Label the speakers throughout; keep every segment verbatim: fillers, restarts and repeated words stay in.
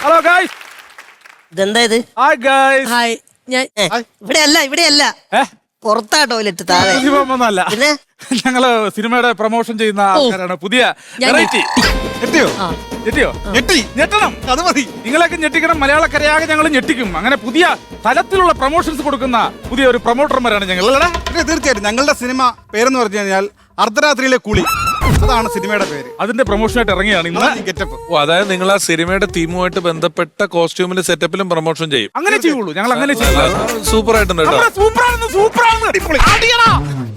Speaker 1: Hello guys.
Speaker 2: ഇതെന്താ ഇത്?
Speaker 1: Hi guys.
Speaker 3: Hi. ഞാൻ
Speaker 2: ഇവിടെ അല്ല ഇവിടെ അല്ല പുറത്താ ടോയ്ലറ്റ് താഴെ.
Speaker 1: ഒന്നല്ല,
Speaker 2: പിന്നെ
Speaker 1: ഞങ്ങള് സിനിമയുടെ പ്രൊമോഷൻ ചെയ്യുന്ന ആൾക്കാരാണ്. പുതിയ വെറൈറ്റി. ഞെട്ടിയോ? ഞെട്ടിയോ? ഞെട്ടി ഞെട്ടണം, അത് മതി. നിങ്ങളൊക്കെ ഞെട്ടിക്കണം. മലയാളക്കരയാകെ ഞങ്ങൾ ഞെട്ടിക്കും. അങ്ങനെ പുതിയ തലത്തിലുള്ള പ്രൊമോഷൻസ് കൊടുക്കുന്ന പുതിയ ഒരു പ്രൊമോട്ടർമാരാണ് ഞങ്ങൾ. അല്ലേ?
Speaker 4: തീർച്ചയായിട്ടും. ഞങ്ങളുടെ സിനിമ പേരെന്ന് പറഞ്ഞു കഴിഞ്ഞാൽ അർദ്ധരാത്രിയിലെ കുളി. അതാണ് സിനിമയുടെ പേര്.
Speaker 1: അതിന്റെ പ്രൊമോഷനായിട്ട് ഇറങ്ങിയാണ് ഇന്ന്.
Speaker 4: ഗെറ്റപ്പ്.
Speaker 5: ഓ, അതായത് നിങ്ങൾ ആ സിനിമയുടെ തീമുമായിട്ട് ബന്ധപ്പെട്ട കോസ്റ്റ്യൂമിലും സെറ്റപ്പിലും പ്രൊമോഷൻ ചെയ്യും.
Speaker 1: അങ്ങനെ ചെയ്യുള്ളൂ, ഞങ്ങൾ അങ്ങനെ ചെയ്യും.
Speaker 5: സൂപ്പർ ആയിട്ടുണ്ട് കേട്ടോ.
Speaker 1: സൂപ്പറാണ്, സൂപ്പറാണ്. അടിപൊളി. അടിയടാ.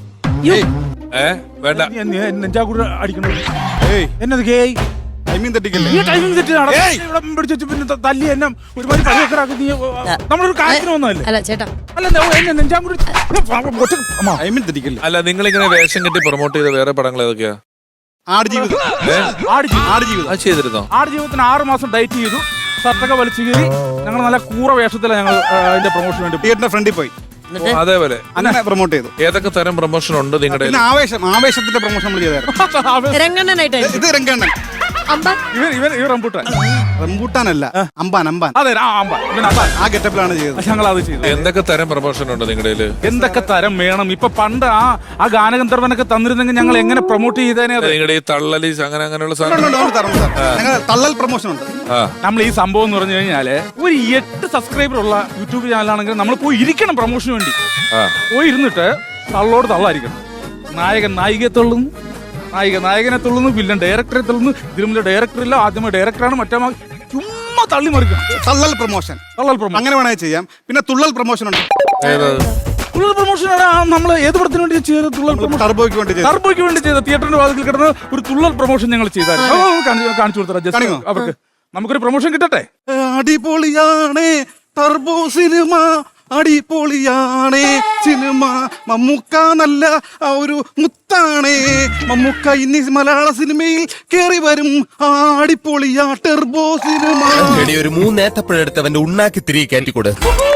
Speaker 5: ഏ വേണ്ട,
Speaker 1: നെഞ്ചാകൂടെ അടിക്കണം. എന്നത് ഗേയ്
Speaker 4: ടൈമിംഗ് തെറ്റിക്കല്ലേ?
Speaker 1: ഈ ടൈമിംഗ് തെറ്റി ഇവിടെ പിടിച്ചു പിന്നെ തല്ലി എന്നെ ഒരുപാട് കളിയൊക്കെ നീ നമ്മളൊരു കാര്യത്തിന് വന്നതല്ലേ?
Speaker 3: അല്ല ചേട്ടാ,
Speaker 1: അല്ല എന്നെ നെഞ്ചാകൂടെ
Speaker 4: ടൈമിംഗ് തെറ്റിക്കല്ലേ?
Speaker 5: അല്ല, നിങ്ങൾ ഇങ്ങനെ വേഷം കെട്ടി പ്രൊമോട്ട് ചെയ്ത വേറെ പടങ്ങൾ ഏതൊക്കെയാ?
Speaker 4: ആടുജീവിതം.
Speaker 1: ആടുജീവിതം
Speaker 5: അത് ചെയ്തിരുന്നോ?
Speaker 1: ആടുജീവിതത്തിന് ആറ് മാസം ഡയറ്റ് ചെയ്തു. ഷർട്ടൊക്കെ വലിച്ചു കയറി ഞങ്ങൾ നല്ല കൂറ വേഷത്തിലാണ് ഞങ്ങൾ അതിന്റെ പ്രൊമോഷൻ വേണ്ടി
Speaker 4: തിയേറ്ററിന്റെ ഫ്രണ്ടിൽ പോയി.
Speaker 5: അതേപോലെ
Speaker 4: അങ്ങനെ പ്രൊമോട്ട് ചെയ്തു.
Speaker 5: ഏതൊക്കെ തരം പ്രൊമോഷൻ ഉണ്ട് നിങ്ങളുടെ?
Speaker 4: പിന്നെ ആവേശം, ആവേശത്തിന്റെ പ്രൊമോഷൻ നമ്മൾ ചെയ്തായിരുന്നു.
Speaker 3: രംഗണ്ണനായിട്ട്
Speaker 4: ഇത് രംഗണ്ണൻ.
Speaker 3: അമ്പാൻ.
Speaker 1: ഇവൻ ഇവൻ ഇവൻ റംബൂട്ടാൻ.
Speaker 4: റംബൂട്ടാനല്ല, അമ്പാൻ. അമ്പാൻ.
Speaker 1: അതെ, ആ അമ്പാൻ. ഇവൻ അമ്പാൻ.
Speaker 4: ആ ഗെറ്റപ്പിലാണ് ചെയ്തത്.
Speaker 1: ഞങ്ങൾ അത് ചെയ്തു.
Speaker 5: എന്തൊക്കെ തരം പ്രൊമോഷൻ ഉണ്ട് നിങ്ങളുടെ?
Speaker 1: എന്തൊക്കെ തരം വേണം? ഇപ്പൊ പണ്ട് ആ ആ ഗാനഗന്ധർവനൊക്കെ തന്നിരുന്നെങ്കിൽ ഞങ്ങൾ എങ്ങനെ പ്രൊമോട്ട് ചെയ്തേനെ?
Speaker 5: നിങ്ങളുടെ ഈ തള്ളലി അങ്ങനെ അങ്ങനെയുള്ള
Speaker 4: ഉണ്ട്, ഉണ്ട്, ഉണ്ട്, തരണം, തരണം. ഞങ്ങൾ തള്ളൽ പ്രൊമോഷൻ ഉണ്ട്.
Speaker 1: നമ്മൾ ഈ സംഭവം എന്ന് പറഞ്ഞു കഴിഞ്ഞാല് ഒരു എട്ട് സബ്സ്ക്രൈബർ ഉള്ള യൂട്യൂബ് ചാനലാണെങ്കിൽ നമ്മൾ പോയി ഇരിക്കണം പ്രൊമോഷന് വേണ്ടി. പോയി ഇരുന്നിട്ട് തള്ളോട് തള്ളായിരിക്കണം. നായകൻ നായികയെ തള്ളുന്നു, നായിക നായകനെ തുള്ളുന്നു, വില്ലൻ ഡയറക്ടറെ തുള്ളുന്നു. ഇതിലും ഡയറക്ടർ ഇല്ല, ആദ്യമേ ഡയറക്ടറാണ്, മറ്റേ ചുമ്മാ തള്ളി മറിക്കണം.
Speaker 4: തള്ളൽ പ്രൊമോഷൻ.
Speaker 1: തള്ളൽ പ്രൊമോഷൻ
Speaker 4: അങ്ങനെ വേണമെങ്കിൽ ചെയ്യാം. പിന്നെ തുള്ളൽ പ്രൊമോഷൻ ഉണ്ട്.
Speaker 1: തുള്ളൽ പ്രൊമോഷൻ നമ്മൾ ഏത് പടത്തിന് വേണ്ടി ചെയ്ത? തുള്ളൽ പ്രൊമോഷൻ
Speaker 4: ടർബോയ്ക്ക് വേണ്ടി ചെയ്തു.
Speaker 1: ടർബോയ്ക്ക് വേണ്ടി ചെയ്ത തിയേറ്ററിന്റെ വാതിൽ കിടന്ന് ഒരു തുള്ളൽ പ്രൊമോഷൻ ഞങ്ങൾ ചെയ്തായിരുന്നു. കാണിച്ചു കൊടുത്തരാ അവർക്ക്. നമുക്കൊരു പ്രൊമോഷൻ കിട്ടട്ടെ.
Speaker 4: അടിപൊളിയാണേ ടർബോ സിനിമ, അടിപൊളിയാണേ സിനിമ. മമ്മൂക്ക നല്ല ഒരു മുത്താണേ. മമ്മൂക്ക ഇനി മലയാള സിനിമയിൽ കേറി വരും. അടിപൊളിയാ ടർബോ സിനിമ.
Speaker 6: ഒരു മൂന്നേത്തപ്പഴെടുത്തവന്റെ ഉണ്ണാക്കി തിരികെ കയറ്റിക്കൂടെ?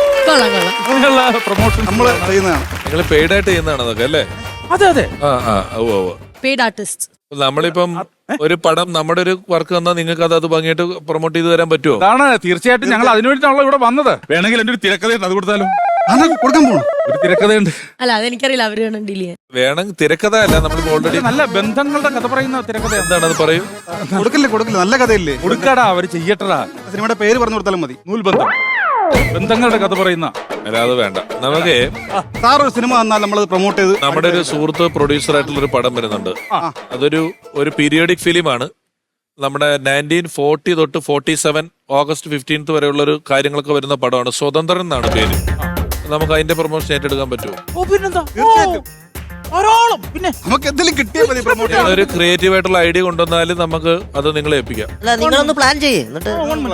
Speaker 1: പ്രൊമോഷൻ
Speaker 4: നമ്മള് ചെയ്യുന്നതാണ്.
Speaker 5: നിങ്ങൾ പെയ്ഡ് ആയിട്ട് ചെയ്യുന്നതാണ് അതൊക്കെ അല്ലേ?
Speaker 1: അതെ അതെ.
Speaker 5: ആ ആ ഓ ഓ
Speaker 3: പെയ്ഡ് ആർട്ടിസ്റ്റ്.
Speaker 5: നമ്മളിപ്പം ഒരു പടം നമ്മുടെ ഒരു വർക്ക് തന്നാൽ നിങ്ങൾക്ക് അത് അത് ഭംഗിയായിട്ട് പ്രൊമോട്ട് ചെയ്ത് തരാൻ പറ്റുമോ?
Speaker 1: അതാണ് തീർച്ചയായിട്ടും ഞങ്ങൾ അതിനു വേണ്ടിയിട്ടാണല്ലോ ഇവിടെ വന്നത്. വേണമെങ്കിൽ എന്റെ ഒരു തിരക്കഥയുണ്ട്, അത് കൊടുത്താലും.
Speaker 4: കൊടുക്കാൻ പോണു
Speaker 1: ഒരു തിരക്കഥയുണ്ട്.
Speaker 3: അല്ല അതെനിക്കറിയില്ല, അവര് വേണം ഡീൽ ചെയ്യാൻ.
Speaker 5: വേണം തിരക്കഥ അല്ല, നമ്മൾ ഓൾറെഡി
Speaker 1: നല്ല ബന്ധങ്ങളുടെ കഥ പറയുന്ന തിരക്കഥ.
Speaker 5: എന്താണ് അത് പറയൂ?
Speaker 4: കൊടുക്കില്ലേ കൊടുക്കില്ല, നല്ല കഥയില്ലേ?
Speaker 1: കൊടുക്കാടാ, അവര് ചെയ്യട്ടടാ.
Speaker 4: സിനിമയുടെ പേര് പറഞ്ഞു കൊടുത്താലും മതി.
Speaker 1: നൂൽബന്ധം, ബന്ധങ്ങളുടെ കഥ പറയുന്ന.
Speaker 5: അല്ല അത് വേണ്ട. നമുക്ക്
Speaker 4: സാർ ഒരു സിനിമ വന്നാൽ നമ്മൾ പ്രൊമോട്ട് ചെയ്ത്.
Speaker 5: നമ്മുടെ ഒരു സുഹൃത്ത് പ്രൊഡ്യൂസർ ആയിട്ടുള്ള ഒരു പടം വരുന്നുണ്ട്. അതൊരു ഒരു പീരിയോഡിക് ഫിലിമാണ്. നമ്മുടെ നയൻറ്റീൻ ഫോർട്ടി തൊട്ട് ഫോർട്ടി സെവൻ ഓഗസ്റ്റ് ഫിഫ്റ്റീൻത്ത് വരെയുള്ള ഒരു കാര്യങ്ങളൊക്കെ വരുന്ന പടമാണ്. സ്വതന്ത്രൻ എന്നാണ് പേര്. നമുക്ക് അതിന്റെ പ്രൊമോഷൻ ഏറ്റെടുക്കാൻ പറ്റുമോ?
Speaker 1: പിന്നെ
Speaker 4: നമുക്ക് എന്തെങ്കിലും കിട്ടിയാൽ മതി പ്രൊമോട്ട്.
Speaker 5: ഒരു ക്രിയേറ്റീവ് ആയിട്ടുള്ള ഐഡിയ കൊണ്ടുവന്നാലും നമുക്ക് അത് നിങ്ങളെ ഏൽപ്പിക്കാം.
Speaker 2: അല്ല നിങ്ങളൊന്ന് പ്ലാൻ ചെയ്യേ. എന്നിട്ട്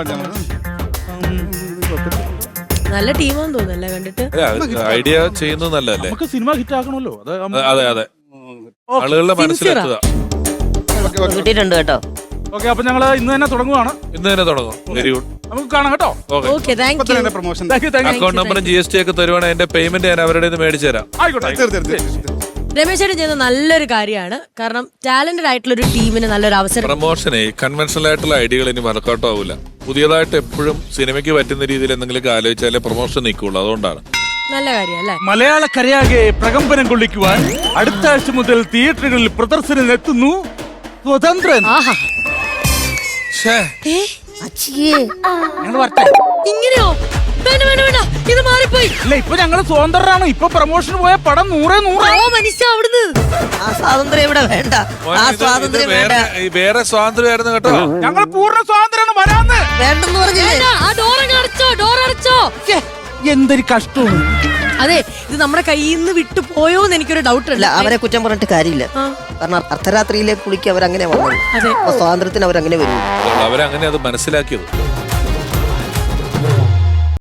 Speaker 3: നല്ല ടീമാന്ന് തോന്നുന്നല്ലേ കണ്ടിട്ട്.
Speaker 5: ഐഡിയ ചെയ്യുന്നത് നല്ലതല്ലേ?
Speaker 1: നമുക്ക് സിനിമ ഹിറ്റ് ആക്കണമല്ലോ.
Speaker 5: അതെ അതെ, ആളുകളുടെ മനസ്സിലെത്തുക.
Speaker 2: കിട്ടിയിട്ടുണ്ട് കേട്ടോ.
Speaker 1: ഓക്കെ, അപ്പൊ ഞങ്ങള് ഇന്ന് തന്നെ തുടങ്ങുവാണ്.
Speaker 5: ഇന്ന് തന്നെ തുടങ്ങും. Very good.
Speaker 1: നമുക്ക് കാണാം കേട്ടോ.
Speaker 3: Okay, thank you.
Speaker 4: Promotion.
Speaker 5: Account നമ്പറും ജി എസ് ടി ഒക്കെ തരുവാണെങ്കിൽ എന്റെ പേയ്മെന്റ് ഞാൻ അവരുടെ മേടിച്ചു തരാം.
Speaker 1: ആയിക്കോട്ടെ.
Speaker 3: രമേശ് ചേട്ടൻ ചെയ്യുന്ന നല്ലൊരു കാര്യമാണ്. കാരണം ടാലന്റഡ് ആയിട്ടുള്ള ഒരു ടീമിന് നല്ലൊരു അവസരം.
Speaker 5: പ്രൊമോഷനെ കൺവെൻഷണൽ ആയിട്ടുള്ള ഐഡിയകൾ ഇനി വർക്കൗട്ട് ആവില്ല. പുതിയതായിട്ട് എപ്പോഴും സിനിമയ്ക്ക് പറ്റുന്ന രീതിയിൽ എന്തെങ്കിലും ആലോചിച്ചാലേ പ്രൊമോഷൻ നിൽക്കുള്ളൂ. അതുകൊണ്ടാണ്.
Speaker 3: നല്ല കാര്യം അല്ലേ?
Speaker 1: മലയാളക്കരയാകെ പ്രകമ്പനം കൊള്ളിക്കുവാൻ അടുത്ത ആഴ്ച മുതൽ തിയേറ്ററുകളിൽ പ്രദർശനം എത്തുന്നു സ്വതന്ത്രൻ. ഞങ്ങൾ വരട്ടെ.
Speaker 3: ഇങ്ങനെയോ? വേണ്ട വേണ്ട വേണ്ട, ഇത് മാറിപ്പോയി.
Speaker 1: ഇല്ല, ഇപ്പൊ ഞങ്ങള് സ്വതന്ത്രരാണ്. ഇപ്പൊ പ്രൊമോഷൻ പോയ പടം നൂറേ നൂറ്.
Speaker 3: ഓ മനുഷ്യ, അവിടുന്ന്
Speaker 2: ആ സ്വാതന്ത്ര്യം ഇവിടെ വേണ്ട. ആ സ്വാതന്ത്ര്യം വേണ്ട.
Speaker 5: വേറെ സ്വാതന്ത്ര്യമായിരുന്നു കേട്ടോ.
Speaker 1: ഞങ്ങൾ പൂർണ്ണ സ്വാതന്ത്ര്യമാണ് വരാന്ന്.
Speaker 2: വേണ്ടെന്ന് പറഞ്ഞില്ലേ?
Speaker 3: ആ ഡോർ അടച്ചോ, ഡോർ അടച്ചോ.
Speaker 1: എന്തൊരു കഷ്ടമാണ്.
Speaker 3: അതെ, ഇത് നമ്മുടെ കയ്യിൽ നിന്ന് വിട്ടു പോയോന്ന് എനിക്കൊരു ഡൗട്ട്
Speaker 2: ഇല്ല, അവരെ കുറ്റം പറഞ്ഞിട്ട് കാര്യമില്ല. കാരണം അർദ്ധരാത്രിയിലെ കുളിക്ക് അവരങ്ങനെ വന്നത്. അപ്പൊ സ്വാതന്ത്ര്യത്തിന് അവരങ്ങനെ വരും.
Speaker 5: അവരങ്ങനെ അത് മനസ്സിലാക്കിയത്.